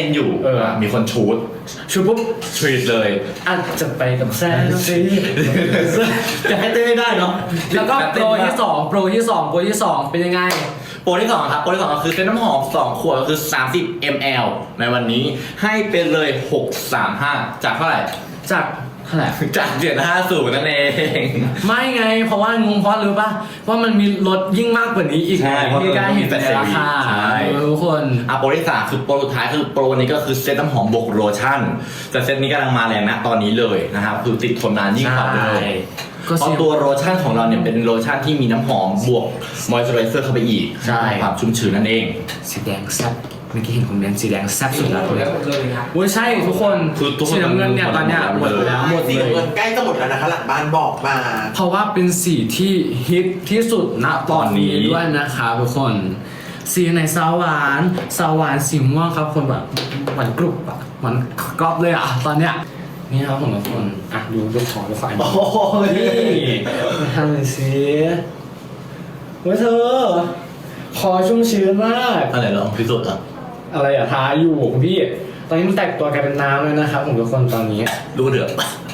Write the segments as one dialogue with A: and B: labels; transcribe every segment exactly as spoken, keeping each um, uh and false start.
A: ต้นอยู่เออมีคนชูดชูดปุ๊บทรีดเลยอาจจะไปกับแซนซีจะให้เต้นไม่ได้เนาะ
B: แล้วก็โปรที่สองโปรที่สองโปรที่สองเป็นยังไง
A: โปรที่สองครับโปรที่สองก็คือเส้นน้ำหอมสองขวดก็คือสามสิบมิลลิลิตร ในวันนี้ให้เป็นเลยหกสามห้าจากเท่าไหร่
B: จากเท่าไหร่
A: จากเจ็ดห้าศูนย์นั่นเอง
B: ไม่ไงเพราะว่างงเพราะรู้ป่ะว่ามันมีลดยิ่งมากกว่านี้อีกที่การเห็นในราคาทุกคน
A: อ่ะโปรที่สามคือโปรสุดท้ายคือโปรนี้ก็คือเซตน้ำหอมบวกโลชั่นแต่เซตนี้กำลังมาแรงนะตอนนี้เลยนะครับคือติดทนนานยิ่งกว่าเลยเพราะตัวโลชั่นของเราเนี่ยเป็นโลชั่นที่มีน้ำหอมบวกมอยส์เจอไรเซอร์เข้าไปอีก
B: ใช่
A: ความชุ่มชื้นนั่นเอง
B: สีแดงแซ่บเมื่อกี้เห็นคอมเมนต์สีแดงแซ่บสุดแล้วเลยโอ้ยใช่ทุกคนสีน้ำเงินเนี่ยตอนเนี้ยหมดแล้วหมดเลย
C: ใกล้จะหมดแล้วนะคะหลังบ้านบอกมา
B: เพราะว่าเป็นสีที่ฮิตที่สุดณตอนนี้ด้วยนะคะทุกคนสีไหนสาวหวานสาวหวานสีม่วงครับคนแบบหวานกรุบอะหวานกรอบเลยอะตอนเนี้ยนี่ครับผมทุกคนอ่ะดูดูของดูไฟโอ้ยนี่ทำเลยสิเว้ยเธอคอชุ่มชื้นมาก
A: อะไรลองพิสูจน์อ่ะ
B: อะไรอะทาอยู่พี่ตอนนี้มันแตกตัวกลายเป็นน้ำเลยนะครับผมทุกคนตอนนี้
A: ดูเดือด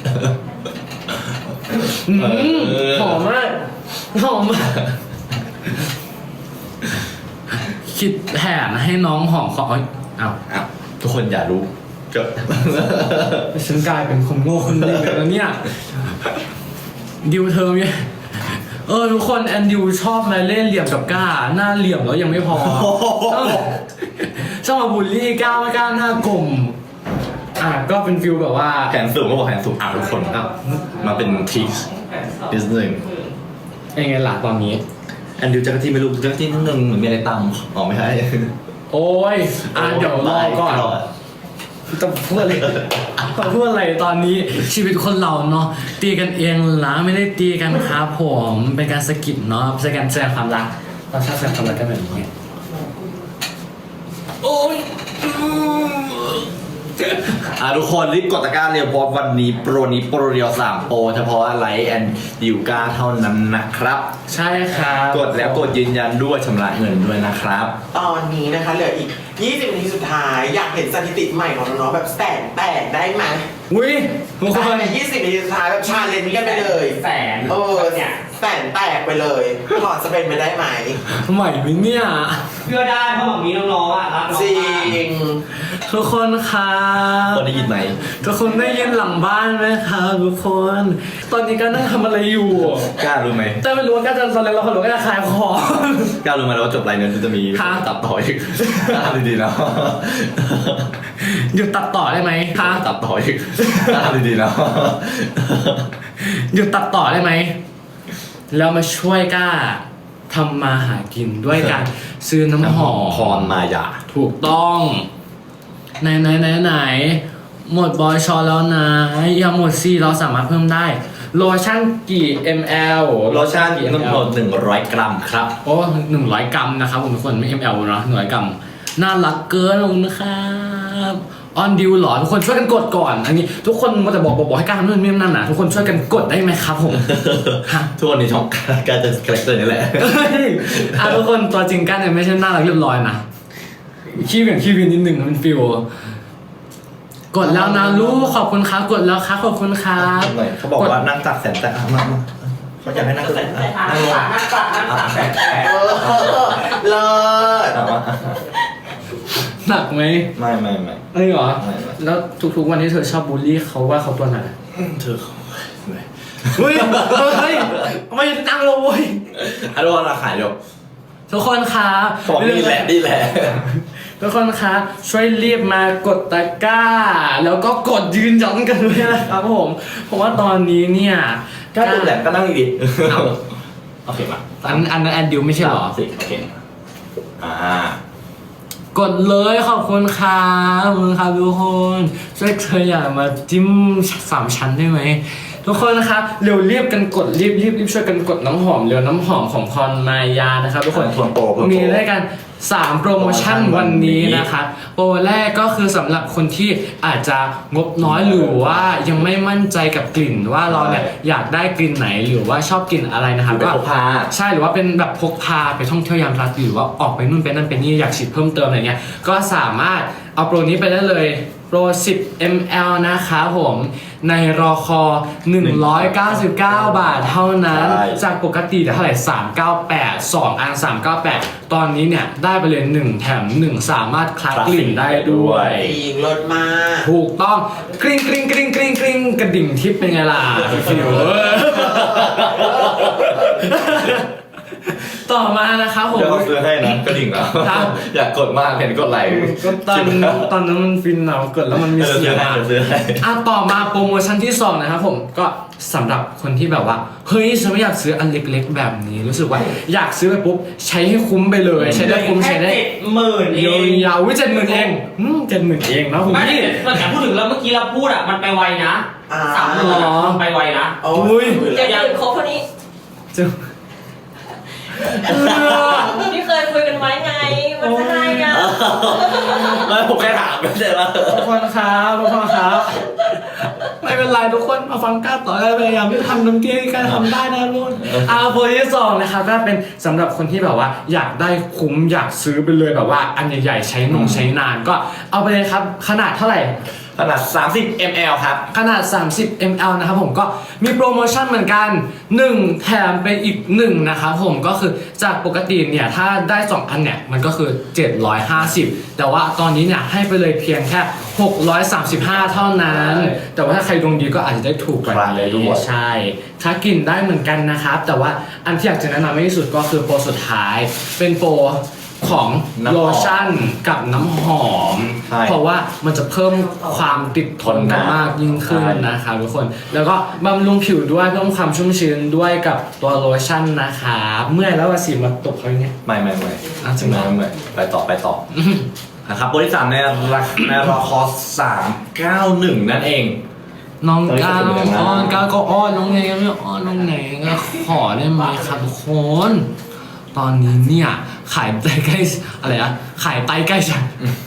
B: หอมมากหอมมากคิดแผนให้น้องหอมคออ้าว
A: อ้าวทุกคนอย่ารู้เกิด
B: ฉันกลายเป็นคนโง่คนนึงแล้วเนี่ยดิวเธอเนี่ยเออทุกคนแอนดิวชอบมาเล่นเหลี่ยมกับก้าหน้าเหลี่ยมแล้วยังไม่พอชอบมาบูลลี่ก้าไม่ก้าหน้ากลมอ่ะก็เป็นฟิลแบบว่า
A: แขนสูงก็บอกแขนสูงอ่ะทุกคนมาเป็นทิกนิดนึง
B: ยังไงล่ะตอนนี้
A: แอนดิวจักรจี้ไม่รู้จักรจี้นิดนึงเหมือนมีอะไรตามอ๋อไม่ใช่
B: โอ้ยอ่ะเดี๋ยวรอก่อนจะพูดอะไรจะพูดอะไรตอนนี้ชีวิตคนเราเนาะตีกันเองละไม่ได้ตีกันครับผมเป็นการสกิปเนาะเป็นการแสดงความรักเราชอบแสดงความรักกันแบบนี้โอ้ย
A: อ่ะทุกคนรีบกดตะกร้าเร็วเพราะวันนี้โปรนี้โปรเดียวสามโปรเฉพาะไลท์แอนด์ดิวก้าเท่านั้นนะครับ
B: ใช่ครับ
A: กดแล้วกดยืนยันด้วยชำระเงินด้วยนะครับ
C: ตอนนี้นะคะเหลืออีกยี่สิบนาทีสุดท้ายอยากเห็นสถิติใหม่ของน้องๆแบบแสนแตกได้ไหม
B: อุ้ย
C: ทุกคนยี่สิบนาทีสุดท้ายแบบชาเลนจ์กันไปเลย
B: แสน
C: เออเนี่ยแสนแตกไปเลยพอจะเป็นไปได้ไหม
B: ใหม่ไหมเนี่ย
D: เพื่อได้เพราะแบบนี้น้องๆอ่ะรับน้อง
C: จริง
B: ทุกคนครับ
A: คนได้ยินไหม
B: ทุกคนได้ยินหลังบ้านไหมครับทุกคนตอนนี้ก็นั่งทำอะไรอยู่
A: กล้ารู้ไหม
B: แต่ไม่รู้ว่าก้าจะตอนแรกเราคนรู้ก็จะขายของ
A: กล้ารู้ไหมว่าจบไลน์นั้นจะมีตัดต่ออีกกล้าดีๆนะ
B: หยุดตัดต่อได้ไหมคะ
A: ตัดต่ออีกกล้าดีๆนะ
B: หยุดตัดต่อได้ไหมแล้วมาช่วยก้าทำมาหากินด้วยกันซื้อน้ำหอม
A: พรมายา
B: ถูกต้องไหนไหนไหนไหนหมดบอยชอแล้วนะยังหมดซีเราสามารถเพิ่มได้โลชั่นกี่ มล
A: โลชั่นทั้งหมดหนึ่งร้อยกรัมครับ
B: โอ้หนึ่งร้อยกรัมนะครับผมทุกคนไม่ มล เนาะหนึ่งร้อยกรัมน่ารักเกินลงนะครับออนดิวหรอทุกคนช่วยกันกดก่อนอันนี้ทุกคนมันจะบอกบอกให้การทำนู่นนี่นั่นนะทุกคนช่วยกันกดได้ไหมครับผม
A: ทุกคนในช่องการจะคาแรคเตอร์นี่แหละ
B: อ่ะทุกคนตัวจริงกันเนี่ยไม่ใช่น่ารักเรียบร้อยนะขี้เหวี่ยงขี้วินนิดหนึ่งมันฟิลกดแล้วนะลูกขอบคุณครับกดแล้วครับขอบคุณครับ
A: เขาบอกว่านั่งตักแสนแต่มาเขาอยากให้นั่งตักนั่งลง
C: นั่งตักนั่งตักแสนแต่เลิศ
B: หนักไหม
A: ไม่ไม่ไม่
B: เอ้ยเหรอแล้วทุกๆวันที่เธอชอบบูลลี่เขาว่าเขาตัวหนัก
A: เธอ
B: เฮ้ยเฮ้ยไม่ตั้งเลย
A: ฮัลโหลราขายเดี๋ยว
B: ทุกคนครับ
A: ของนี่แหละนี่แหละ
B: ทุกคนครับช่วยรีบมากดตะกร้าแล้วก็กดยืนยันกันด้วยนะครับผมเพราะว่าตอนนี้เนี่ย
A: ก็ดูแหลมก็นั่งดีโอเคป่ะ
B: อันอันนั้นแอนดิวไม่ใช่หรอ
A: สิโอเคอ่
B: ากดเลยขอบคุณครับขอบคุณครับทุกคนช่วยเธออยากมาจิ้มสามชั้นได้ไหมทุกคนนะครับเร็วรีบกันกดรีบรีบรีบช่วยกันกดน้ำหอมเร็วน้ำหอมของพรมายานะครับทุกคนมีได้กันสามโปรโมชั่นวันนี้นะคะโปรแรกก็คือสำหรับคนที่อาจจะงบน้อยหรือว่ายังไม่มั่นใจกับกลิ่นว่าเราเนี่ยอยากได้กลิ่นไหนหรือว่าชอบกลิ่นอะไรนะครับ
A: ก็พกพา
B: ใช่หรือว่าเป็นแบบพกพาไปท่องเที่ยวยามราตรีหรือว่าออกไปนู่นไปนั่นไปนี่อยากฉีดเพิ่มเติมอะไรเงี้ยก็สามารถเอาโปรนี้ไปได้เลยโปร สิบ มิลลิลิตร นะคะผมในรอคอ หนึ่งร้อยเก้าสิบเก้า บาทเท่านั้น
A: ใช่
B: จากปกติเท่าไหร่สามร้อยเก้าสิบแปด สองอันสามร้อยเก้าสิบแปดตอนนี้เนี่ยได้ไปเลยหนึ่งแถมหนึ่งสามารถคลักกลิ่นได้ด้วย
C: จริงรสมาก
B: ถูกต้องกริ๊งกริ๊งกริ๊งกริ๊งกริ๊งกระดิ่งทิพย์เป็นไงล่ะฟิวต่อมานะครับผม
A: เดี๋ยวเขาซื้อให้นะกระดิ่งแล้ว
B: ครับ
A: อยากกดมากเห็นกดไหล
B: ก็ตอนตอนนั้นมันฟินเนาะเกิดแล้วมันมี
A: เออ
B: เสี
A: ซื้
B: ย
A: องให้
B: อ่ะ
A: เดี๋ยวซื้อให้
B: อ่ะต่อมาโปรโมชั่นที่สองนะครับผมก็สำหรับคนที่แบบว่าเฮ้ยฉันไม่อยากซื้ออันเล็กๆแบบนี้รู้สึกว่าอยากซื้อไปปุ๊บใช้ให้คุ้มไปเลย ใช้ได้คุ้มใช้ได้
D: เจ็ดหมื่นเอย
B: าง วๆวิเจ็ดหมื่นเองอืมเจ็ดหมื่นเองนะคุณ
D: ไม่
B: พี่
D: แต่แต่พูดถึงแล้วเมื่อกี้เราพูดอ่ะมันไปไวนะ
C: อ่า
D: สามหมื่นอะมันไปไวนะ
C: โอ้
B: อุ้ย
C: ย
E: เจ็ดหมื่นครบเท่านี้
B: จะ
E: ที่เคยคุยกันไว้ไง มันจะได้อะ
A: ไม่ผมแค่ถามไม่ใช่ว่า
B: ทุกคนครับทุกคนครับไม่เป็นไรทุกคนมาฟังก้าต่อได้พยายามที่ทำน้ำเตี้ยการทำได้นะทุกคนอ่าโปรที่สองนะครับก็เป็นสำหรับคนที่แบบว่าอยากได้คุ้มอยากซื้อไปเลยแบบว่าอันใหญ่ๆใช้นงใช้นานก็เอาไปเลยครับขนาดเท่าไหร่
A: ขนาดสามสิบมิลลิลิตร ครับ
B: ขนาด สามสิบมิลลิลิตร นะครับผมก็มีโปรโมชั่นเหมือนกันหนึ่งแถมไปอีกหนึ่งนะครับผมก็คือจากปกติเนี่ยถ้าได้สองอันเนี่ยมันก็คือเจ็ดร้อยห้าสิบแต่ว่าตอนนี้เนี่ยให้ไปเลยเพียงแค่หกร้อยสามสิบห้าเท่านั้น แต่ว่าถ้าใครดวงดีก็อาจจะได้ถูกกว่า
A: ครับ
B: นี้
A: ด้วย
B: ใช่ถ้ากินได้เหมือนกันนะครับแต่ว่าอันที่อยากจะแนะนำที่สุดก็คือโปรสุดท้ายเป็นโปรของ
A: น้ำหอม
B: โลชั่นกับน้ำหอม
A: ใช่
B: เพราะว่ามันจะเพิ่มความติดทนกันมากยิ่งขึ้น
A: ใช่
B: นะครับทุกคน แล้วก็บำรุงผิวด้วยเพิ่มความชุ่มชื้นด้วยกับตัวโลชั่นนะครับเมื่อยแล้วว่าสีมาตกเขาอย่างเงี้ย
A: ไม่ไม่ไม่
B: อ่ะจริงเหรอ
A: ไม่ไม่ไปต่อไปต่อนะครับโปรที่สามในราคาในราคาสามเก้าหนึ่งนั่นเอง
B: น้องก้าว
A: เฮ้ย
B: อ้อนก้าวก็อ้อนน้องไงก็ไม่อ้อนน้องไหนก็ขอได้ไหมครับทุกคน ตอนนี้เนี่ยขายไตใกล้อะไรอะขายไตใกล้ฉัน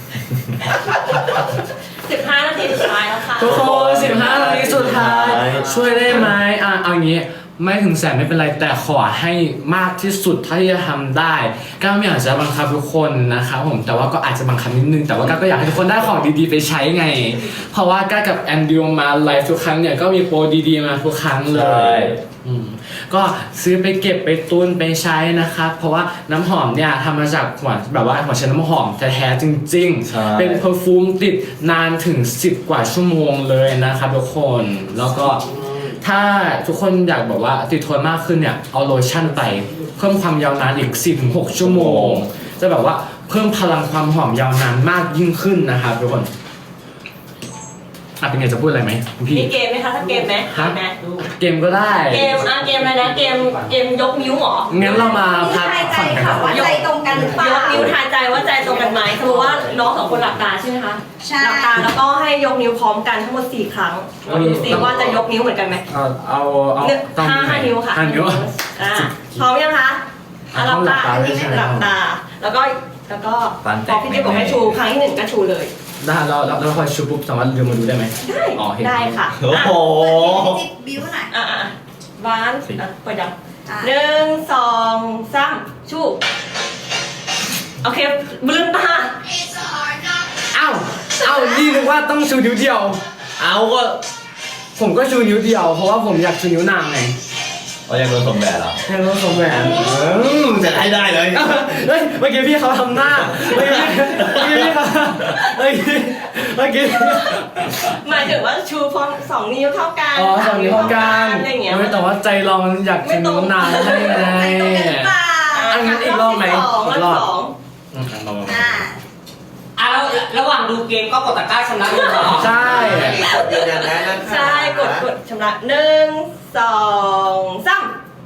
E: สิบห้านาทีสุดท้ายแล้วค่ะ
B: ทุกคนสิบห้านาทีสุดท้าย ช่วยได้ไหมอ่ะเอางี้ไม่ถึงแสนไม่เป็นไรแต่ขอให้มากที่สุดเท่าที่จะทำได้ก้าวไม่อยากจะบังคับทุกคนนะครับผมแต่ว่าก็อาจจะบังคับนิดนึงแต่ว่าก้าวก็อยากให้ทุกคนได้ของดีๆไปใช้ไง เพราะว่าก้าวกับแอนดิวมาไลฟ์ทุกครั้งเนี่ยก็มีโปรดีๆมาทุกครั้งเล
A: ใช่
B: ยอืมก็ซื้อไปเก็บไปตุนไปใช้นะครับเพราะว่าน้ำหอมเนี่ยทำมาจากหัวแบบว่าหัวเชื้อน้ำหอมแท้ๆจริง
A: ใช่
B: ๆเป็น เพอร์ฟูมติดนานถึงสิบกว่าชั่วโมงเลยนะครับทุกคนแล้วก็ถ้าทุกคนอยากแบบว่าติดทนมากขึ้นเนี่ยเอาโลชั่นไปเพิ่มความยาวนานอีก สิบถึงหก ชั่วโมง จะแบบว่าเพิ่มพลังความหอมยาวนานมากยิ่งขึ้นนะครับทุกคนอ่ะเป็นไงจะพูดอะไรไหมคุณพี่
E: มีเกมไหมคะถ้าเกมไหม
B: ฮะ
E: มีไหม
B: เกมก็ได้
E: เกมอ่ะเกมอะไรนะเกมเกมยกนิ้วเหรอ
B: งั้นเรามาพัก
F: ทายใจ
B: ผ่อนกัน
F: ค่ะ
B: ก่อน
F: ว่าใจตรงกันหรือเปล่าย
E: กนิ้วทายใจว่าใจตรงกันไหมสมมติว่าน้องสองคนหลับตาใช่ไหมคะ
F: ใช่
E: หลับตาแล้วก็ให้ยกนิ้วพร้อมกันทั้งหมดสี่ครั้งดูสิว่าจะยกนิ้วเหมือนกันไหม
B: เอาเอาเอา
E: หนึ่ง
B: ต้อง
E: ห้าห้านิ้วค่ะ
B: ห้านิ้ว
E: อ่าพร้อมยังคะอ่ะหลับตา
B: หลับตา
E: อันนี้
B: ใช่ไหม
E: หลับตา แล้วก็แล้วก็
A: ฟัน
E: พ
A: แต
E: อก พี่เจ๊บอกให้ชูครั้งที่หนึ่งก็ชูเลย
B: ได้เราเราเราคอยชูปุ๊บสามารถเดินมาดูได้ไหม
E: ได้
B: อ๋อเห็น
E: ได้ค่ะ
A: โอ้โห
F: จิบบิ้วหน่อย
E: อ่ะอ่ะวาน
A: สิ
E: อ่ะเปิดยัง
F: อ่ะ
E: หนึ่งสองสามชูโอเคลืมตา
B: อ้าวอ้าวนี่นึกว่าต้องชูนิ้วเดียว
A: เอาก็
B: ผมก็ชูนิ้วเดียวเพราะว่าผมอยากชูนิ้วนางไง
A: เอายังโดนสมแบบเหรอ
B: ให้รู้สมแหวน
A: อืมจะให้ได้เลย
B: เฮ้ยเมื่อกี้พี่เขาทำหน้าเมื่อกี้เมื่อกี้พี่เขาเมื่อกี้เมื่อกี้
E: หมายถึงว่าชูพร้อมสองนิ้วเท่ากัน
B: อ๋อสองนิ้วเท่ากัน
E: อะไรอย่างเงี้ย
B: ไม่แต่ว่าใจเรามันอยากชูนิ้วนางให้ไง
F: ใจตรงกันหรือเปล่า
B: อันนั้นอีกรอบไหม
E: สอง
B: อีกรอบ
E: สอง
B: อืมลองๆ
F: อ่า
D: อ่ะแล้วระหว่างดูเกมก็กดตะกร้าชำระเงินเหรอ
B: ใช่
C: กดยืนยันได้นะคะ
E: ใช่กดกดชำระหนึ่งสองสาม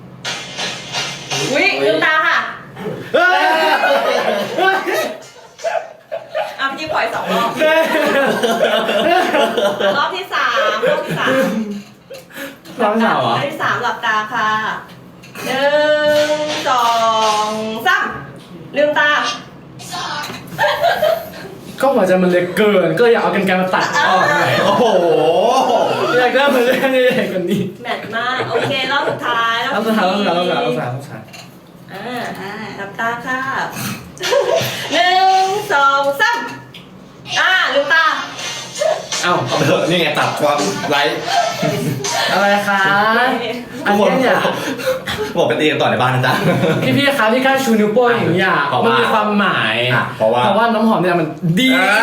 E: วิลืมตาค่ะ
B: เฮ้ย
E: อ่ะพี่ปล่อยสองรอบรอบที่สามรอบที่สาม
B: รอบที่สามเหรอ
E: รอบที่สามหลับตาค่ะหนึ่งสองสามลืมตา
B: ก็หัวใจมันเล็กเกิน ก็อยากเอากันไกรมาตัดออกหน่อย
A: โอ้โห
B: อยากได้มันเล่นใหญ่กว่านี้
E: แมทมากโอเครอบสุดท้าย
B: เอาสุดท้ายเอาสุดท้ายเอาสุดท้ายเอาสุดท้ายเอาสุดท้าย
E: อ่า
F: อ่า
E: หลับตาค่ะหนึ่งสองสามอ่าลืมตา
B: เอ้า
A: เอาไปเถอะนี่ไงตัดความไลฟ์
B: อะไรคะอั
A: ทุ
B: น
A: กคน
B: นี้เนี่ย
A: บอกไปตีกันต่อในบ้านนะจ๊ะ
B: พี่พี่ๆครับที่กล้าชูนิ้วโป้งอย่างนี้อ่ะ
A: เพราะ
B: มัน
A: ว่า
B: มีความหมาย
A: อ่ะเพราะว่า
B: เพราะว่าน้ำหอมเนี่ยมันดี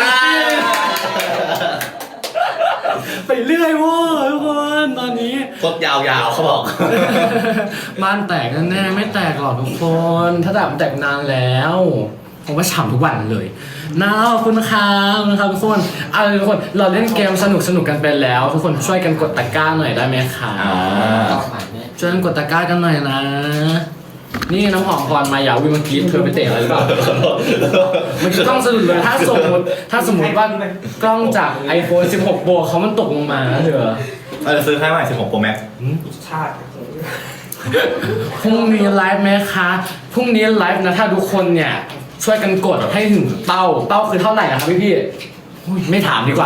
B: ไปเรื่อยเว้ยทุกคนตอนนี้
A: กดยาวๆเขาบอก
B: บ้านแตกแน่ๆไม่แตกหรอกทุกคนถ้าแตกมันแตกนานแล้วผมว่าฉ่ำทุกวันเลยน่าขอบคุณครับนะครับทุกคนเอาเลยทุกคนเราเล่นเกมสนุกสนุกๆกันไปแล้ว ทุกคนช่วยกันกดตะกร้าหน่อยได้ไหมคะ
A: อ่า
B: ช่วยกันกดตะกร้ากันหน่อยนะ นี่น้ำหอมก่อนมายาวิเมื่อกี้เธอไปเตะอะไรหรือเปล่ามันคือกล้องสะดุดเลยถ้าสมมติถ้าสมมติว่ากล้องจาก iPhone สิบหก Pro เขามันตกลงมาเถอะ
A: เราจะซื้อให้ใหม่สิบหก Pro Max
C: ชาติ
B: พรุ่งนี้ไลฟ์ไหมคะพรุ่งนี้ไลฟ์นะถ้าทุกคนเนี่ยช่วยกันกดให้ถึงเป้าเป้าคือเท่าไหร่นะครับพี่พี่ๆอุ๊ยไม่ถามดีกว่า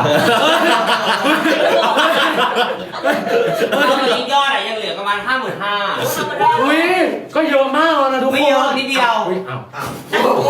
D: ตอนนี้ยอดอะยังเหลือประมาณห้าหมื่นห้า
E: ธรรมดา
B: อุ้ยก็เยอะมากแล้วนะทุกคน
D: ไม่เยอะนิดเดียว
B: อุ๊อ้าว
C: อ้าว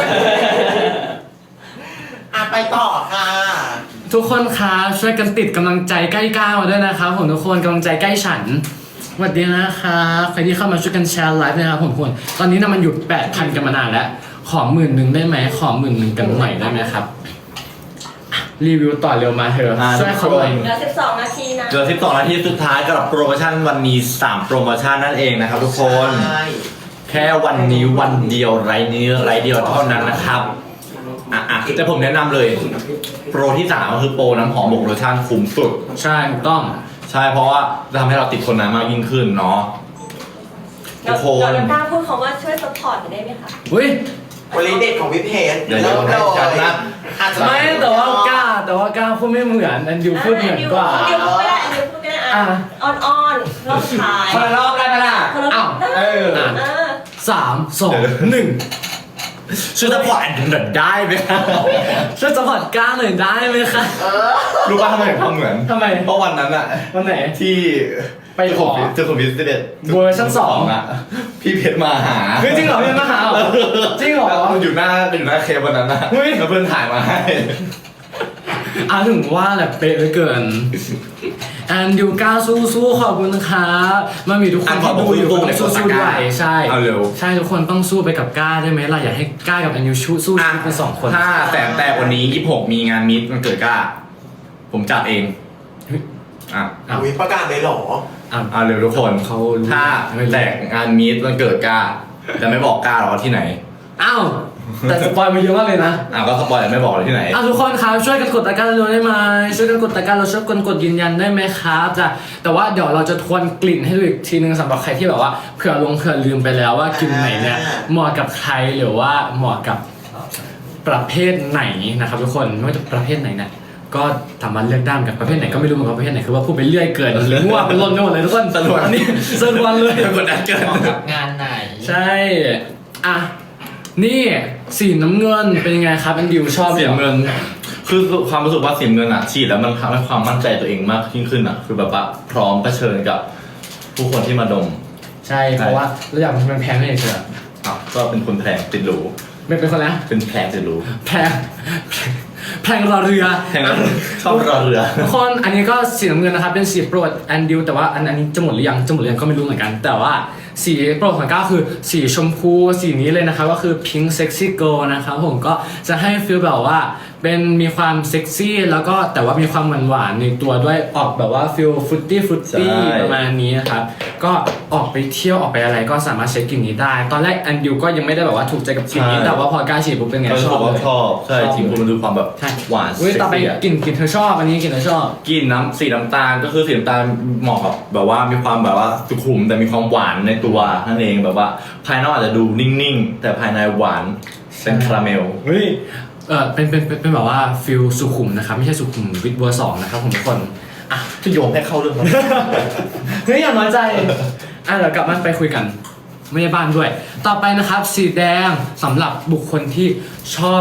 C: อ่ะไปต่อค่ะ
B: ทุกคนคะช่วยกันติดกำลังใจใกล้ก้าวมาด้วยนะครับผมทุกคนกำลังใจใกล้ฉันสวัสดีนะคะใครที่เข้ามาช่วยกันแชร์ไลฟ์นะครับผมทุกคนตอนนี้นะมันอยู่แปดพันกันมานานแล้วขอหมื่นหนึ่งได้ไหมขอหมื่นหนึ่งกันหน่อยได้ไหมครับอ่ะรีวิวต่อเร็วมาเถอะ
A: อ่า
B: ช่วยเขาหน่อย
E: เหลือสิบสองนาทีนะ
A: เหลือสิบสองนาทีสุดท้ายกับโปรโมชั่นวันนี้สามโปรโมชั่นนั่นเองนะครับทุกคน
C: ใช่
A: แค่วันนี้วันเดียวไรนี้ไรเดียวเท่านั้นนะครับอ่ะอ่ะแต่ผมแนะนำเลย โปรที่สามก็คือโปรน้ำหอมบวกโลชั่นคุ้มสุด
B: ใช่ถูกต้อง
A: ใช่เพราะว่าจะทำให้เราติดทนนานมากยิ่งขึ้นเนาะทุ
E: เรา
A: กคน
E: เรากล้าพูดคำว่าช่วยซัพพอร์ตได้ไหมคะ
B: อุ้ย
C: วันนี้เด็ดของพี่เพชร
A: เดี๋ยว
C: เริ่ม
A: ให้
C: เล
A: จัด
C: ย
A: นะ
C: อาจจะ
B: ไม่แต่ว่ากล้าแต่ว่ากล้าพูดไม่เหมือนอันดิวพูดเหมือนกว่า
E: อันเดียวพูดก็ได้อันเดียวพูดก็ได้อ่ะ
B: อ่ะ
E: อ่อนอ่อนๆรอบท้าย
D: คนละรอบได้ไหมล่ะ
E: คนละ
B: อ้าว
E: เออ
B: อ่ะ
E: เออ
B: สามสองหนึ่ง
A: ชื่อตะพอดได้ไหมครับ
B: ช่วยสปอร์ตกล้าหน่อยได้ไหมคะ
A: รู้ป่ะทำไมถึงทำเหมือน
B: ทำไม
A: เพราะวันนั้นอะ
B: วันไหน
A: ที่
B: ไปขอ
A: เจอคนพิเศษ
B: เวอร์ชันสอง
A: อะพี่เพชรมาหา
B: เฮ้ยจริงเหรอพี่มาหาเหรอจริงเหรอ
A: มันอยู่หน้าอยู่หน้าเคปวันนั้นนะ
B: เฮ้ย
A: แล้วเพื่อนถ่ายมาให้
B: อ่ะถึงว่าแหละเป๊ะเหลือเกินแอนดิวก้าสู้สู้ๆขอบคุณครับมันมีทุกคนที่ดูอยู่ก็ต้องสู้ๆด้วยใช่
A: เอาเร็ว
B: ใช่ทุกคนต้องสู้ไปกับก้าได้ไหมล่ะอยากให้ก้ากับแอนดิวสู้สู้ชีวิตเป็นสองคน
A: ถ้าแสนแตกวันนี้ยี่สิบหกมีงานมิตมันเกิดกล้า ผมจัดเอง
B: เฮ้ย
A: อ่ะ
B: อ้าว
C: อุ๊ยประกาศเลยเหรอ
B: อ้าว
A: เอาเร็วทุกคน
B: เขารู้
A: ถ้าแตกงานมิตมันเกิดกล้าแต่ไม่บอกกล้าหรอกว่าที่ไหน
B: อ้าวแต่สปอยล์มาเยอะมากเลยนะ
A: อ่ะก็สปอยล์ไม่บอกเลยที่ไหน
B: อ่ะทุกคนครับช่วยกันกดตะกร้าเร็วๆได้ไหมช่วยกันกดตะกร้าเราช่วยกันกดยืนยันได้ไหมครับจ้ะแต่ว่าเดี๋ยวเราจะทวนกลิ่นให้ดูอีกทีนึงสำหรับใครที่แบบว่าเผื่อลงเผื่อลืมไปแล้วว่ากลิ่นไหนเนี่ยเหมาะกับใครหรือว่าเหมาะกับประเภทไหนนะครับทุกคนไม่ว่าจะประเภทไหนเนี่ยก็สามารถเลือกได้เหมือนกับประเภทไหนก็ไม่รู้เหมือนกันประเภทไหนคือว่าพูดไปเรื่อยเกินหรือว่าเป็นล้นไปหมดเลยทุกคน
A: สรวน
B: อันนี้สรวนเลย
A: กดดันเกิน
D: กับงานไหน
B: ใช่อ่ะนี่สีน้ำเงินเป็นยังไงครับอันดิวชอบ
A: เสีย
B: หรอ
A: เงิน คือความรู้สึกว่าเสียเงินอ่ะฉีดแล้วมันทำให้ความมั่นใจตัวเองมากยิ่งขึ้นอ่ะ คือแบบว่าพร้อมเผชิญกับผู้คนที่มาดม
B: ใช่เพราะว่าเราอยากมันแพงไม่เฉย
A: อ่ะก็เป็นคนแพงติดหรู
B: ๆไม่เป็นคนนะ
A: เป็นแพงติดหรู
B: แพงแพงรอเรือ
A: แพงนั้นชอบรอเรือ
B: ทุกคนอันนี้ก็สีน้ำเงินนะครับเป็นสีโปรดแอนดิวแต่ว่าอันอันนี้จะหมดหรือยังจะหมดหรือยังก็ไม่รู้เหมือนกัน แต่ว่าสีโปรดของก้าวคือสีชมพูสีนี้เลยนะครับก็คือ Pink Sexy Girl นะครับผมก็จะให้ฟีลแบบว่าเป็นมีความเซ็กซี่แล้วก็แต่ว่ามีความหวานหวานๆในตัวด้วยออกแบบว่าฟีลฟรุตตี้ฟรุตตี้
A: ใช่
B: ประมาณนี้นะครับก็ออกไปเที่ยวออกไปอะไรก็สามารถใช้กลิ่นนี้ได้ ตอนแรกแอนดิวก็ยังไม่ได้แบบว่าถูกใจกับกลิ่นนี้แต่ว่าพอกล้าฉีดปุ๊บเป็นไง
A: ก็
B: ช
A: ช
B: อ
A: อ
B: บบ เลย
A: ชอบใช่
B: ชอบ
A: จริงๆมันดูความแบบ
B: ใช่
A: หวาน
B: เว้ย
A: เซ็ก
B: ต่อไป
A: ซี่อะ
B: กลิ่นกลิ่นเธอชอบอันนี้กลิ่นเธอชอบ
A: กลินน้ำสีน้ำตาลก็คือสีน้ำตาลเหมาะกับแบบว่ามีความแบบว่าสุขุมแต่มีความหวานในตัวนั่นเองแบบว่าภายนอกอาจจะดูนิ่งๆ แต่ภายในหวานเป็นคาราเมล
B: เฮ้ยเออเป็นเป็นเป็นเป็นแบบว่าฟิลสุขุมนะครับไม่ใช่สุขุมวิทเวอร์สองนะครับผมทุกคนอ่ะ
A: ที่โยมให้เข้าเรื่องครับ
B: เฮ้ยอย่าน้อยใจอ่ะเดี๋ยวกลับมาไปคุยกันไม่ได้บ้านด้วย ต่อไปนะครับสีแดงสำหรับบุคคลที่ชอบค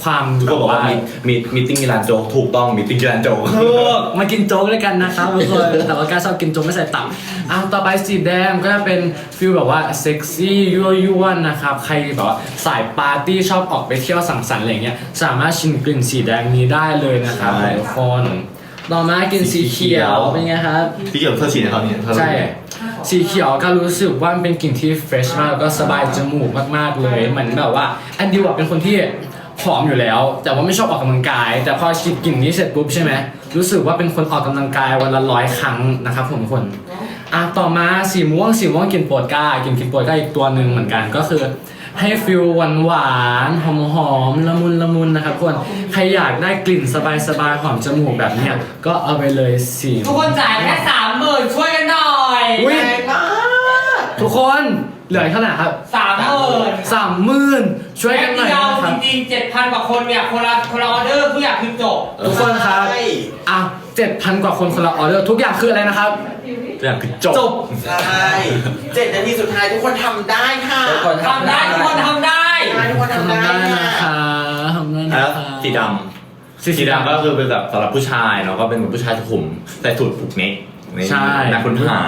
B: ความ
A: ทุกคนบอกว่ามีมีมีติ้งกีฬาโจ๊กถูกต้องมีติ้งกีฬาโจ๊ก
B: ถูกมากินโจ๊กด้วยกันนะครับทุกคนแต่ว่าการชอบกินโจ๊กไม่ใส่ตับอ่ะต่อไปสีแดงก็จะเป็นฟิลแบบว่าเซ็กซี่ยั่วยวนนะครับใครแบบว่าสายปาร์ตี้ชอบออกไปเที่ยวสังสรรค์อะไรเงี้ยสามารถชิมกลิ่นสีแดงนี้ได้เลยนะครับ
A: ใช่
B: ทุกคนต่อมากินสีเขียวเป็นไงครับ
A: พี่เกี่ยวกับเธอฉีดในเขาเนี่ยเธอ
B: ใช่ สีเขียวก็รู้สึกว่ามันเป็นกลิ่นที่เฟรชมากแล้วก็สบายจมูกมากๆเลยเหมือนแบบว่าอันดิวอะเป็นคนที่ผอมอยู่แล้ว แต่ว่าไม่ชอบออกกำลังกาย แต่พอฉีดกลิ่นนี้เสร็จปุ๊บใช่ไหมรู้สึกว่าเป็นคนออกกำลังกายวันละร้อยครั้งนะครับผมทุกคนอ่ะต่อมาสีม่วงสีม่วงกลิ่นโปรดก้ากลิ่นกลิ่นโปรดก้าอีกตัวหนึ่งเหมือนกันก็คือให้ฟิลหวานหวานๆหอมหอมๆละมุนละมุนนะครับทุกคนใครอยากได้กลิ่นสบายสบายๆหอมจมูกแบบเนี้ยก็เอาไปเลยสี
D: ทุกคนจ่ายแค่สามหมื่นช่วยกันหน่อย
B: อุ๊ย
C: แรงมาก
B: ทุกคนเหลือเท่าไหร่ครับ
D: สามหมื่น
B: สามหมื่นช่วยกันหน่อย
D: เดียว
B: นะครับ
D: จริงๆเจ็ดพันกว่าคนเนี่ยคนละคนละออเดอร์ทุกอย่างคือจบ
B: ทุกคนครับ
C: ใช่
B: อ่ะเจ็ดพันกว่าคนคนละออเดอร์ทุกอย่างคืออะไรนะครับ
A: ทุกอย่างคือจบ
B: จบ
C: ใช่เจ็ดนาทีสุดท้ายทุกคนทำได้ค่ะ
B: ทุกคน
D: ทำได้ทุกคนทำได้
C: ใช่ทุกคนทำ
B: ทำ
C: ได้
B: ได้
C: ค่ะ
B: นะคะทำได้นะ
A: แล้ว
B: คะ
A: สีดำสีดำก็คือเป็นแบบสำหรับผู้ชายเนาะก็เป็นเหมือนผู้ชายสุขุมใส่สูทผูกเน็กนี่นักค้นหา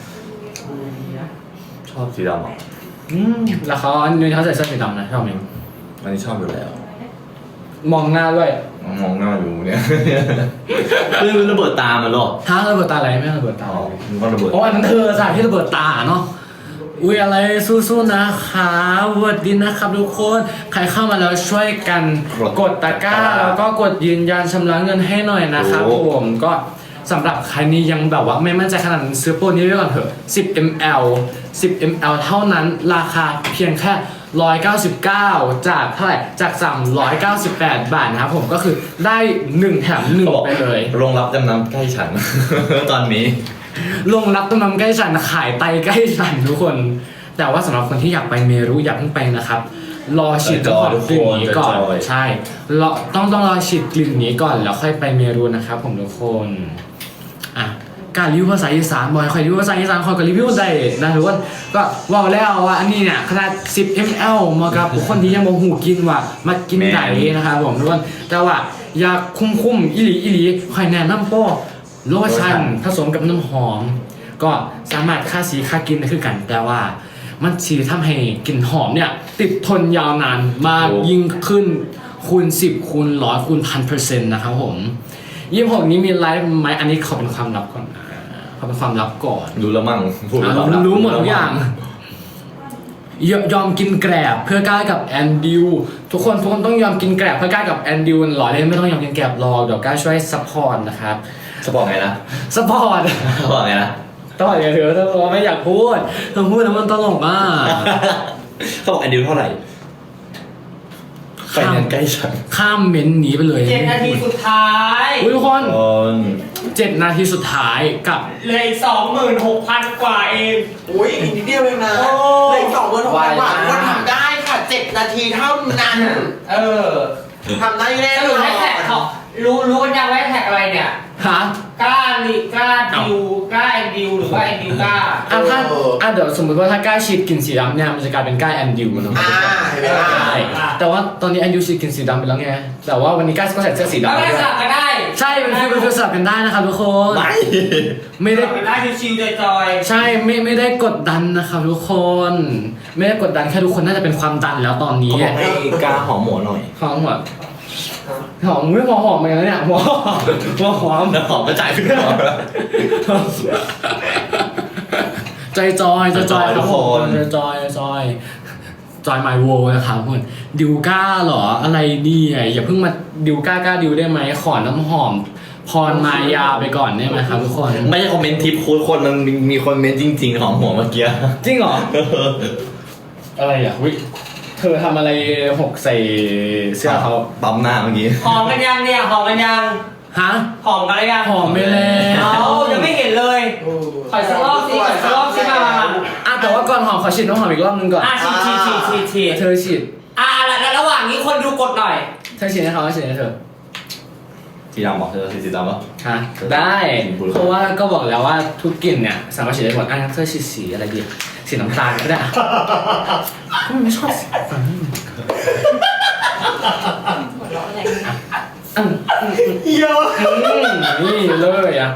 A: ชอบสีดำอ่ะ
B: อืมแล้วเขาอันนี้เขาใส่เสื้อสีดำนะชอบไหม
A: อันนี้ชอบอยู่แล้ว
B: มองหน้าด้วย
A: มองหน้าอยู่เนี่ยคือระเบิดตามันหรอ
B: ท้าระเบิดตาอะไรไม่ระเบิดตา
A: อ๋อมันก็ระเบิด
B: โอ้อันนั้นเธอสายที่ระเบิดตาเนาะอุ้ยอะไรสู้ๆนะคะสวัสดีนะครับทุกคนใครเข้ามาแล้วช่วยกันกดตะกร้าแล้วก็กดยืนยันชำระเงินให้หน่อยนะครับผมก็สำหรับใครนี้ยังแบบว่าไม่มั่นใจขนาดนั้นซื้อโปรนี้ไว้ก่อนเถอะสิบมิลลิลิตร สิบมิลลิลิตร เท่านั้นราคาเพียงแค่หนึ่งร้อยเก้าสิบเก้าจากเท่าไหร่จากสามร้อยเก้าสิบแปดบาทนะครับผมก็คือได้หนึ่งแถมหนึ่งไปเลย
A: โรงรับจำนำใกล้ฉัน ตอนนี้
B: ลงรับต้มน้ำใกล้ฉันขายไตใกล้ฉันทุกคน แต่ว่าสำหรับคนที่อยากไปเมรุอย่าเพิ่งไปนะครับ รอฉีดน้ำหอมกลิ่นนี้ก่อน
A: จอยๆ
B: ใช่รอต้องต้องรอฉีดกลิ่นนี้ก่อนแล้วค่อยไปเมรุนะครับผมทุกคนอ่ะการรีวิวภาษาอีสานบ่อยใครรีวิวภาษาอีสานคอยก็รีวิวได้นะทุกคนก็ว่าแล้วว่าอันนี้เนี่ยขนาดสิบมิลลิลิตร เหมาะกับบุคคลที่ยังบ่หูกินว่ามากินไก่นะครับผมทุกคนแต่ว่าอยากคุ้มๆอีหลีอีหลีคอยแนะนำโป้โลชั่นผสมกับน้ำหอม ก็สามารถฆ่าสีฆ่ากินได้คือกันแต่ว่ามันสีทำให้กลิ่นหอมเนี่ยติดทนยาวนานมากยิ่งขึ้นคูณสิบคูณร้อยคูณพันเปอร์เซ็นต์นะครับผมยี่หกนี้มีไลฟ์ไหมอันนี้เขาเป็นความลับก่อนนะเขาเป็นความลับก่อน
A: รู้แล้วมั่งพูด
B: อ่ะ
A: แล้ว
B: รู้หมดทุกอย่างยยอมกินแกรบเพื่อกล้ากับแอนดิวทุกคนทุกคนต้องยอมกินแกรบเพื่อกล้ากับแอนดิวหล่อเลยไม่ต้องยอมกินแกรบรอเดี๋ยวกล้าช่วยซัพพอร์ตนะครับ
A: สปอร์ตไงนะ
B: ซัพพอร์ต
A: สปอร์ตไงนะ
B: ต่ออย่าเถอะถ้าบอกไม่อยากพูดถ้าพูดแล้วมันตลกมาก
A: เขาบอกแอนดิวเท่าไหร่ไปเงินใกล้ฉัน
B: ข้ามเม้นต์หนีไปเลย
D: เจ็ดนาทีสุดท้าย
B: อุ๊ยทุกคน
A: คน
B: เจ็ดนาทีสุดท้ายกับ
D: เหลยสองหมื่นหกพันกว่าเอง
C: อุ้ยอีกนิดเดียวเองนะ
D: โอ้
C: เหลยสองหมื่นหกพันบาท
B: ไวมาก
C: คนทำได้ค่ะเจ็ดนาทีเท่านั้น
D: เออ
C: ทำได้แน่
D: ส
C: น
D: รุ
C: อ
D: ปให้แท็กเขา
C: น
D: รู้รู้กันยังว่าแท็กอะไรเนี่ย
B: ฮะ
D: กล้าลิกล้าดิวกล้าแอนดิวหรือว่าแอนดิวกล้า
B: อ่ะถ้า
C: เอออ่
B: อ่ะเดี๋ยวสมมติว่าถ้ากล้าฉีดกลิ่นสีดำเนี่ยมันจะกลายเป็นกล้าแอนดิวนะ
C: อ่าเห็นไหมล่ะ
B: ใช่แต่ว่าตอนนี้แอนดิวฉีดกลิ่นสีดำไปแล้วไงแต่ว่าวันนี้กล้าก็ใส่เสื้อสี
D: แล้ว
B: ดำ
D: ก็
B: ด้วย
D: สลับกันได้
B: ใช่เป็นฟิลเป็นฟิลสลับกันได้นะครับทุกคน
A: ไม่
B: ไม่
D: ส
B: ได้
D: ลับกันได้ชิวๆจอย
B: ใช่ไม่ไม่ได้กดดันนะครับทุกคน ไม่ได้กดดันแค่ทุกคนน่าจะเป็นความดันแล้วตอนนี้
A: เขาบอกให้กาหอมหมูหน่อย
B: หอมหัวหอมไม่พอหอมเหมือนกันนะเนี่ยหัวหัวหอม
A: แล้วหอมก็จ่ายขึ้นหอม
B: จอยจอยจอยจอย
A: จอย
B: ครับ
A: ทุก
B: ผ
A: คน
B: มจอยจอยจอยไมโวนะครับเพื่อนดิวก้าเหรออะไรเนี่ยอย่าเพิ่งมาดิวก้ากล้าดิวได้ไหมขอน้ำหอมพรมายาไปก่อนได้ไหมครับทุกคน
A: ไม่ใช่คอมเมนต์ทิปโค้ดคนมันมีคอมเมนต์จริง ๆ หอมหัวเมื่อกี้
B: จริงเหรออะไรอ่ะวิเธอทำอะไรหกใส่เสื้อเขา
A: ปั๊มหน้าเมื่อกี้
D: ๆหอมกันยังเนี่ยหอมกันยัง
B: ฮะ
D: หอมกันหรือยัง
B: หอมไปแล้ว
D: เอายังไม่เห็นเลย ขอสักรอบสิขอสักรอบสิมา
B: อ่ะแต่ว่าก่อนหอมขอฉีดน้ำหอมอีกรอบนึงก่อน
D: อ่ะฉีดฉีดฉีดฉีดฉีด
B: เธอฉีด
D: อ่ะแล้วระหว่างนี้คนดูกดหน่อย
B: เธอฉีดให้เขาฉีดให้เธอ
A: สีดำบอกเธอสีดำปะ
B: ฮะได้
A: บุหรี่
B: เพราะว่าก็บอกแล้วว่าทุกกลิ่นเนี่ยสามารถฉีดได้หมดอ่ะเธอฉีดสีอะไรดีสีน้ำตาลก็ได้อ่ะก็ไม่ชอบสีฟ้าอืม
C: เยอะ
B: อืมนี่เลยอ่ะ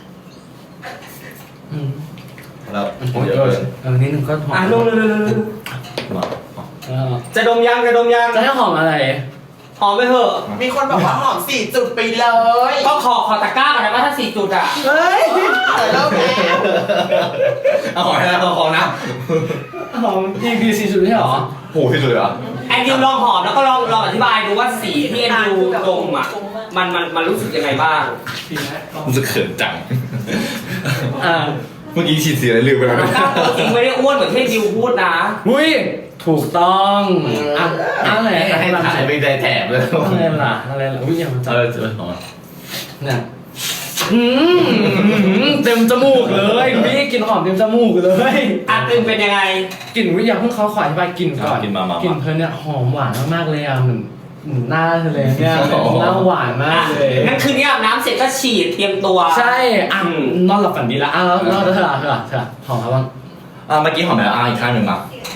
B: อืม
A: แล้ว
B: โอ้ย
A: เย
B: เอ
A: อะ
B: อ
A: เลย
B: เออนี่หนึ่งก็หอม
D: อ่ะลงเลย
A: มา
B: เออ
D: จะดมยังจะดมยัง
B: จะให้หอมอะไร
D: หอมไปเถอะ
C: มีคนบอกว่าหอมสี่จุดไปเลย
D: ก็ขอขอตะกร้าก่อนนะว่าถ้าสี่จุดอ่ะ
C: เฮ้ยเริ่มแล้ว
A: เอาขอให้นะเอาขอนะ
B: หอมอีพีสี่สุดไม่ใช่หรอ
A: โหที่สุดเลยเหรอ
D: แอนดิวลองหอมแล้วก็ลองลองอธิบายดูว่าสีที่แอนดิวดมอ่ะมันมันมันรู้สึกยังไงบ้าง
A: รู้สึกเขินจัง
B: อ่า
A: เมื่อกี้ฉีดสีอะไรลืมไปแล้ว
D: ตะกร้าตัวจริงไม่ได้อ้วนเหมือนที่แอนดิวพูดนะ
B: อุ้ยถูกต้องอ่ะอะไร
A: ให้
B: ให้
A: ให้
B: ลำ
A: ถ่าย
B: ใส่
A: เป็นใจแถบเลย
B: อะไรล่ะอะไรล่ะอุ้ยอย่ามาจั
A: เอบ อเจอหอม
B: เนี่ยอืมเต็มจมูกเลยพี่กลิ่นหอมเต็มจมูกเลย
D: อ่ะตึงเป็นยังไง
B: กลิ่นวิยาเพิ่งเขาขออธิบายกลิ่นก่อน
A: กินมามา
B: กลิ่นเพลินเนี่ยหอมหวานมากๆเลยอ่ะเหมือนเหมือนหน้าเธอเลยเนี่ยหน้าหวานมากเลย
D: งั้นคืนนี้อาบน้ำเสร็จก็ฉีดเตรียมตัว
B: ใช่อ่ะ
D: อืม
B: นอนหลับฝันดีละอ่ะแล้วแล้วเธอเธอเธอหอมครับบ้าง
A: อ่ะเมื่อกี้หอมแล้วอ่ะอีกข้างหนึ่งมา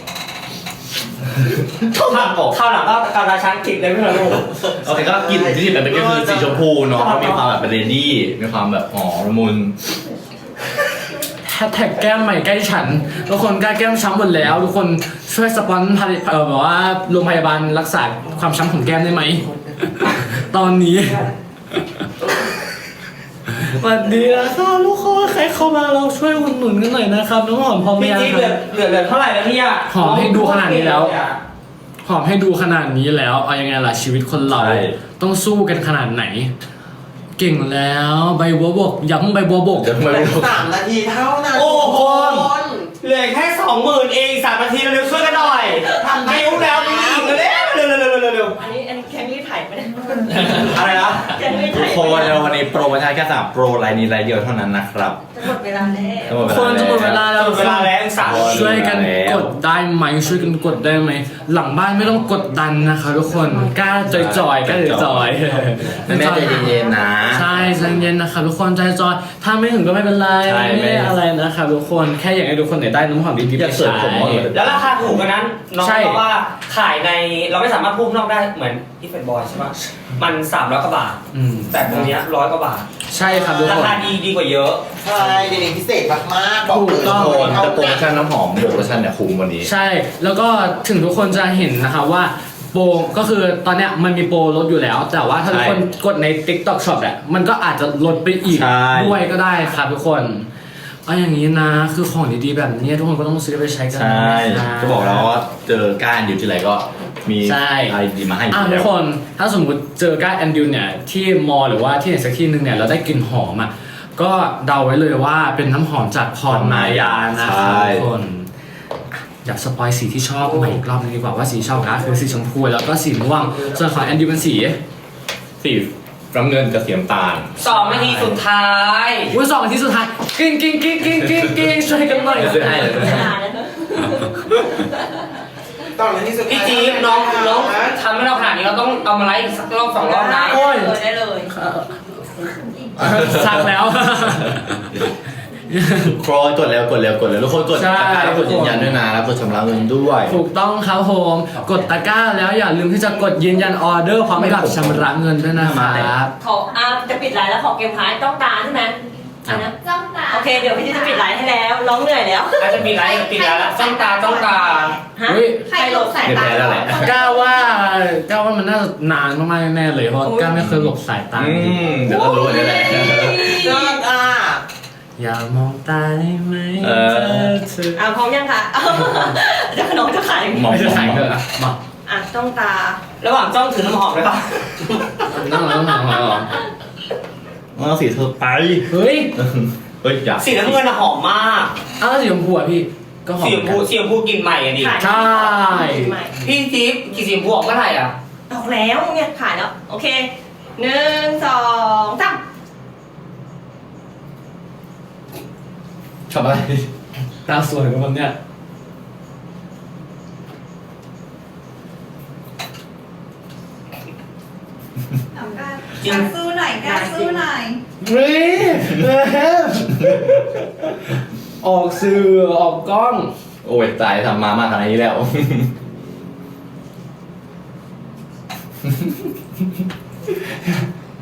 D: ข้าวหลังข้าวหลังก็กำลังช้างติดเลยไม่เหรอลูก
A: โอเคก็กลิ่นที่ติดไปเป็นก็คือสีชมพูเนาะก็มีความแบบเป็นเลดี้มีความแบบหอมละมุน
B: แฮชแท็กแก้มใหม่ใกล้ฉันทุกคนใกล้แก้มช้ำหมดแล้ว ทุกคนช่วยสปอนผลิตเออแบบว่าโรงพยาบาลรักษาความช้ำของแก้มได้ไหม ตอนนี้ สวัสดีนะครับทุกคนใครเข้ามาเราช่วยอุดหนุนกันหน่อยนะครับน้องหอมพร้อมไหม
D: พี่
B: ยัง
D: จิ๊บ
B: ค
D: เหลือ
B: รับ
D: เหลือเหลือเท่าไหร่แล้วเนี่ย
B: หอมให้ดูขนาดนี้แล้ว หอมให้ดูขนาดนี้แล้วเอายังไงล่ะชีวิตคนเรา
A: ใช่
B: ต้องสู้กันขนาดไหน เก่งแล้วใบบัวบกย้ำใบบัวบก
A: เดี๋ยวทำไมไม่รู้
C: สามนาทีเท่านั้น
D: โอ้โห
C: คน
D: เหลือแค่สองหมื่นเองสามนาทีเร็วๆช่วยกันหน่อยทำไม่รู้แล้วมีอีกเร็วๆเร็วๆเร็วๆเร็ว
E: อันนี้อันนี้แค่นี้ถ่ายไม่ได้
D: ๆอะไรนะ
E: แค่นี้
A: ทุ
E: ถ่าก ย
A: คนในวันนี้โปรโมชั่นแค่สามโปรไลน์นี้ไลน์เดียวเท่านั้นนะครับ
E: จะหมดเวลาแล้ว
A: ทั้งหมด
B: คนจะหมดเวลาแล้ว
D: หมดเวลาแล้วสาม
B: ช่วยกันกดได้ไหมช่วยกันกดได้ไหมหลังบ้านไม่ต้องกดดันนะคะทุกคนกล้าจอยๆกล้าจอยๆ
A: แม่ใจเย็นๆนะ
B: ใช่ใจเย็นนะคะทุกคนใจจอยถ้าไม่ถึงก็ไม่เป็นไร
A: ใช่
B: ไม่ได้อะไรนะคะทุกคนแค่อยากให้ทุกคนเนี่ยได้น้ำหอมดีๆ
A: อ
B: ไป
A: ยากเสริ
B: ใช้
A: มผมว่าเลย
D: แล้วราคาถูกกว่านั้นน้อง
B: ใช่
D: เพราะว่าขายในเราไม่สามารถพูดนอกได้เหมือนอีเฟนบอยใช่ปะมันสามร้อยกว่าบาท
B: อืม
D: แต่ตรงเนี้ยร้อยกว่าบาท
B: ใช่ครับทุก
D: รา
B: คน
D: คาดีดีกว่าเยอะ
C: ใช่เดี๋ยวนี้พิเศษมากๆบอกเลย
B: ถูกต้อง
A: โคน
C: เท่า
A: แต่โปรโม
C: กัน
A: ชั่นน้ำหอมบวกโลชั่นเนี่ยคุ้มวันนี้
B: ใช่แล้วก็ถึงทุกคนจะเห็นนะคะว่าโปรก็คือตอนเนี้ยมันมีโปรลดอยู่แล้ว แต่ว่าถ้าทุกคนกดใน TikTok Shop อ่ะมันก็อาจจะลดไปอีก
A: ใช่
B: ด้วยก็ได้ครับทุกคนเอาอย่างนี้นะคือของดีๆแบบนี้ทุกคนก็ต้องซื้อไปใช้กัน
A: ใช่
B: นะคะ
A: จะบอกแล้วว่าเจอก้านอยู่ที่ไรก็มี
B: ใช่
A: อะไรดีมาให้อยู่
B: อ่ะทุ
A: แล้
B: ก
A: ว
B: คนถ้าสมมติเจอก้านแอนดิวเนี่ยที่มอลหรือว่าที่ไหนสักที่หนึ่งเนี่ยเราได้กลิ่นหอมอ่ะก็เดาไว้เลยว่าเป็นน้ำหอมจากพรมายานะครับทุกคนอยากสปอยสีที่ชอบมาอีกรอบนึงดีกว่าว่าสีชอบก็คือสีชมพูแล้วก็สีม่วงส่วนของแอนดิวเป็นสี
A: สีน้ำเงินกับสีน้ำตาล
D: สองนาทีสุดท้าย
B: อุ้ยสองนาทีสุดท้ายกิ้งกิ้งกิ้งกิ้งกิ้งกิ้งช่วยกันหน่อย
A: เดี๋ยวซื้อให้เดี๋ยวซื้อให้
E: นานแล้วเนอะ
C: ตอนนี้สุดท้าย
D: พี่จี๊บน้องน้องทำให้เราขนาดนี้เราต้องเอามาไลฟ์อีกสักรอบสองรอบนะ
B: โอ้ย
E: เลยได้เลย
B: สักแล้ว
A: โครยกดแล้วกดแล้วกดแล้วทุกคนกด
B: ใช่
A: ตะกร้าแล้วกดยืนยันด้วยนะแล้วกดชำระเงินด้วย
B: ถูกต้องครับผมกดตะกร้าแล้วอย่าลืมที่จะกดยืนยันออเดอร์พร้อมกับชำระเงินด้วยนะครับ
E: ขออ่ะจะปิดไลน์แล้วขอเกมท้ายต้องตาใช่ไหมอันนะ
F: จ้องตา
E: โอเคเดี๋ยวพี่จะปิดไลน์ให้แล้วร้องเหนื่อยแล้ว
D: อาจจะมีไลฟ์ปิดแล้วละจ้องตาจ้องตา
E: ฮะ
B: เฮ้ย
F: ใครหลบสาย
A: เดี๋ยว
F: ตา
A: แพ้แล้วแหละ
B: ก้าวว่าก้าวว่ามันน่าจะนานมากๆแน่ๆเลยเพราะก้าวไม่เคยหลบสายตา
A: อืมเดี๋ยวก็รู้นี่แหละ
C: เลิศอ่ะ
B: อย่ามองตาได้ไหม
A: เออ
B: เธอ
E: อ่ะพร้อมยังคะเดี๋ยวน้องจะขาย
A: หมอ
B: ไม่จะขายเถอะอะมา
E: อ่ะต้องตา
D: ระหว่างจ้องถือน้ำหอมเลยป่ะ
B: นั่งแล้วนั่งแล้ว
A: เอาสีเธอไป
B: เฮ้ย
A: เฮ้ยอยาก
D: สีน้ำเงินน่ะหอมมาก
B: อ้าวสีชมพูอ่ะพี่ก็หอม
D: สีชมพูสีชมพูกลิ่นใหม่อะดิ
E: ขาย
B: ใช่
E: ใหม่
D: พี่จิ๊บกี่สีชมพูออกเมื่อไหร่อ่ะ
E: ออกแล้วเนี่ยขายแล้ว โอเคหนึ่งสองสาม
A: ทำอะไร
B: ตาสวยกับมันเนี่ย
F: เอากล้ากล้าสู้หน่อยกล้าสู้หน่อย
B: เฮ้ยออกสื่อออกกล้อง
A: โอ้ยตายทำมามากขนาดนี้แล้ว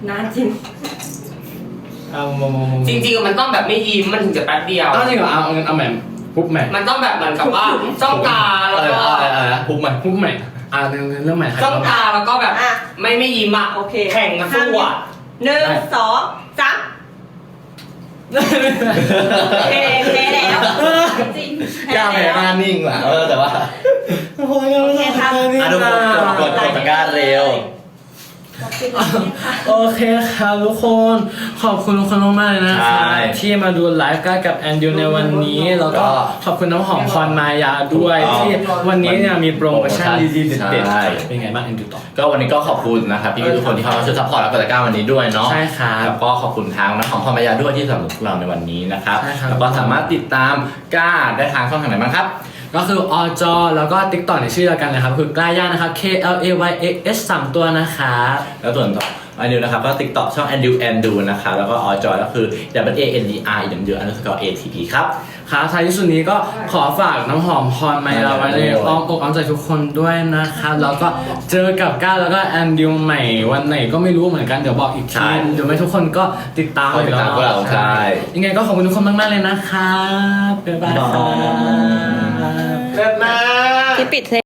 E: นานจริง
B: เอามามามา
D: จริงๆมันต้องแบบไม่ยิ้มมันถึงจะแป๊บเดียว
B: เอาจริงเหรอเอาเอาเอาแหม่มปุ๊บแหม่ม
D: มันต้องแบบเหมือนกับว่าจ้องตาแล้ว
A: อะไร
D: ก็
A: อะไรอะไรนะพุกมัน
B: ปุ๊บแหม่มอ่าเรื่องเรื่องใหม่ครับ
D: จ้องตาแล้วก็แบบ
E: อ่ะ
D: ไม่ไม่ยิ้มอ่ะ
E: โอเค
D: แข่งกันสู้อ่ะ
E: หนึ่งสองสามเพเพแล้วจริง
A: กล้าแพ้หน้านิ่งว่ะเออแต่ว่า
B: โอ้ย
E: โอเคครับ
A: อ่ะทุกคนกดกดตะกร้าเร็ว
B: โอเคครับทุกคนขอบคุณทุกคนมากๆเลยนะค
A: ใช่
B: รับที่มาดูไลฟ์กันกับแอนดิวในวันนี้แล้วก็
A: ก็
B: ขอบคุณน้ำหอมพรมายาด้วย
A: ถูกต้อง
B: ที่วันนี้เนี่ยมีโปรโมชั่นดีๆเด็ด
A: ใช่
B: ๆเป็นไงบ้างแอนดิวต่อ
A: ก็วันนี้ก็ขอบคุณนะครับพี่ๆทุกคนที่เข้ามาช่วยซัพพอร์ตและกดตะกร้าวันนี้ด้วยเนาะ
B: ใช่ครับ
A: แล้วก็ขอบคุณทางน้ำหอมพรมายาด้วยที่สนับสนุนพวกเราในวันนี้นะครับ
B: ใช่ครับ
A: แล้วก็สามารถติดตามกล้าได้ทางช่องทางไหนบ้างครับ
B: ก็คืออจแล้วก็ TikTok ในชื่อเดียวกันนะครับคือกล้าย่านะครับ K L A Y A S สามตัวนะครับ
A: แล้วส่วนต่ออันดิวนะครับก็ TikTok ช่อง Andu Andu นะครับแล้วก็อจก็คือ W A N D R อย่างเดียว underscore A T P ครับ
B: ครับท้ายที่สุดนี้ก็ขอฝากน้ำหอมพรไมลาไว้ในอ้อมอกอ้อมใจทุกคนด้วยนะครับแล้วก็เจอกับก้าวแล้วก็แอนดิวใหม่วันไหนก็ไม่รู้เหมือนกันเดี๋ยวบอกอีก
A: ใช่
B: ทีเดี๋ยวไม่ทุกคนก็ติดตาม
A: ติดตามพวกเราใช่
B: ยังไงก็ขอบคุณทุกคนมากๆเลยนะครับบ๊ายบายครับ
C: เลิศมาก
E: ที่ปิดเพลง